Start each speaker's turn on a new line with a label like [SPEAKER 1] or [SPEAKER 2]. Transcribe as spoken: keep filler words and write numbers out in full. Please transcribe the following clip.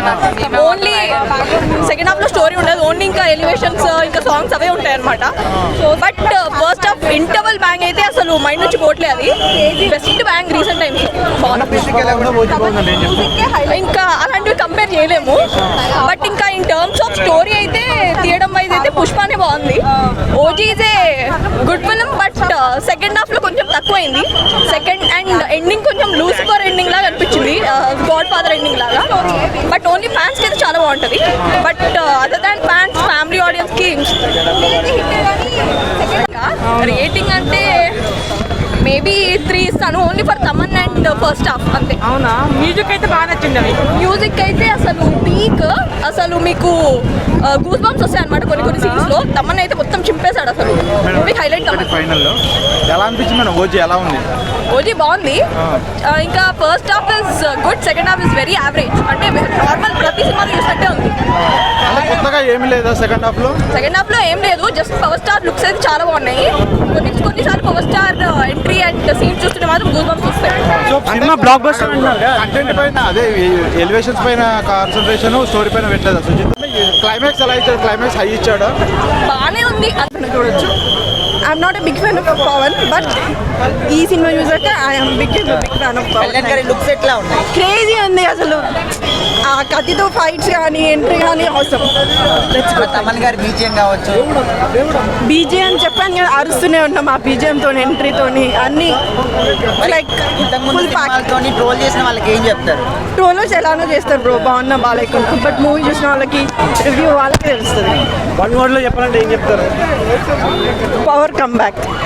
[SPEAKER 1] Only second half లో story ఉండదు, only ఇంకా ఎలివేషన్స్ ఇంకా సాంగ్స్ అవే ఉంటాయి అనమాట. But first half interval bang అయితే అసలు మైండ్ నుంచి పోట్లే, అది బెస్ట్ బ్యాంగ్ రీసెంట్ టైమ్స్. ఇంకా అలాంటివి కంపేర్ చేయలేము. బట్ ఇంకా ఇన్ టర్మ్స్ ఆఫ్ స్టోరీ అయితే తీయడం వైజ్ అయితే పుష్పనే బాగుంది. OG is a good film, but second half లో కొంచెం తక్కువైంది. సెకండ్ అండ్ ఎండింగ్ కొంచెం లూసిఫర్ ఎండింగ్ లాగా అనిపించింది, గాడ్ ఫాదర్ ఎండింగ్ లాగా. బట్ ఓన్లీ ఫ్యాన్స్ కి అయితే చాలా బాగుంటుంది. But other than fans, family audience కి రేటింగ్ అంటే మేబీ త్రీ ఇస్తాను, only for Thaman and first half అంతే.
[SPEAKER 2] అవునా? మ్యూజిక్ అయితే బాగా నచ్చింది. అవి
[SPEAKER 1] మ్యూజిక్ అయితే అసలు పీక్, అసలు మీకు గూస్ బంప్స్ వస్తాయి అనమాట కొన్ని కొన్ని సీన్స్ లో. తమన్ అయితే మొత్తం చింపేశాడు అసలు. Movie highlight Thaman.
[SPEAKER 3] ఫైనల్ లో ఎలా అనిపించింది మేడం? ఓజీ ఎలా ఉంది?
[SPEAKER 1] ఓజీ బాగుంది. ఇంకా first half is good, second half is very average. అంటే నార్మల్ ప్రతి సినిమాలో చూసినట్టే ఉంది.
[SPEAKER 3] కొత్తగా ఏమీ లేదా సెకండ్ హాఫ్ లో?
[SPEAKER 1] సెకండ్ హాఫ్ లో ఏం లేదు, జస్ట్ పవర్ స్టార్ లుక్స్ అయితే చాలా బాగున్నాయి. కొన్ని కొన్నిసార్లు power star entry and scene చూస్తుంటే మాత్రం గూస్ బంప్స్ వస్తాయి.
[SPEAKER 2] సినిమా బ్లాక్ బస్టర్
[SPEAKER 3] కంటెంట్ పైన, అదే ఎలివేషన్స్ పైన కాన్సన్ట్రేషన్, స్టోరీ పైన పెట్టలేదు సుజిత్. క్లైమాక్స్ ఎలా ఇచ్చాడు? క్లైమాక్స్ హై ఇచ్చాడు,
[SPEAKER 1] బాగానే ఉంది అతను చూడొచ్చు.
[SPEAKER 4] I'm not a big fan of Pawan, but ఈ సినిమా చూసాక I'm big big fan of Pawan.
[SPEAKER 5] Looks ఎట్లా ఉన్నాయి?
[SPEAKER 4] క్రేజీ ఉంది అసలు. ఆ కత్తితో ఫైట్స్ కానీ ఎంట్రీ కానీ అవసరం.
[SPEAKER 5] తమన్ గారి బీజిఎం కావచ్చు,
[SPEAKER 4] బీజిఎం చెప్పాను కదా, అరుస్తూనే ఉన్నాం ఆ బీజిఎంతో, ఎంట్రీతోని అన్ని లైక్ ఫుల్ ప్యాక్.
[SPEAKER 5] ట్రోల్ చేసిన వాళ్ళకి ఏం చెప్తారు?
[SPEAKER 4] ట్రోలర్స్ ఎలానో చేస్తారు బ్రో, బాగున్నా బాగాలేకుండా. బట్ మూవీ చూసిన వాళ్ళకి, రివ్యూ వాళ్ళకి తెలుస్తుంది.
[SPEAKER 2] వన్ వర్డ్ లో చెప్పాలంటే ఏం చెప్తారు?
[SPEAKER 4] Power come back.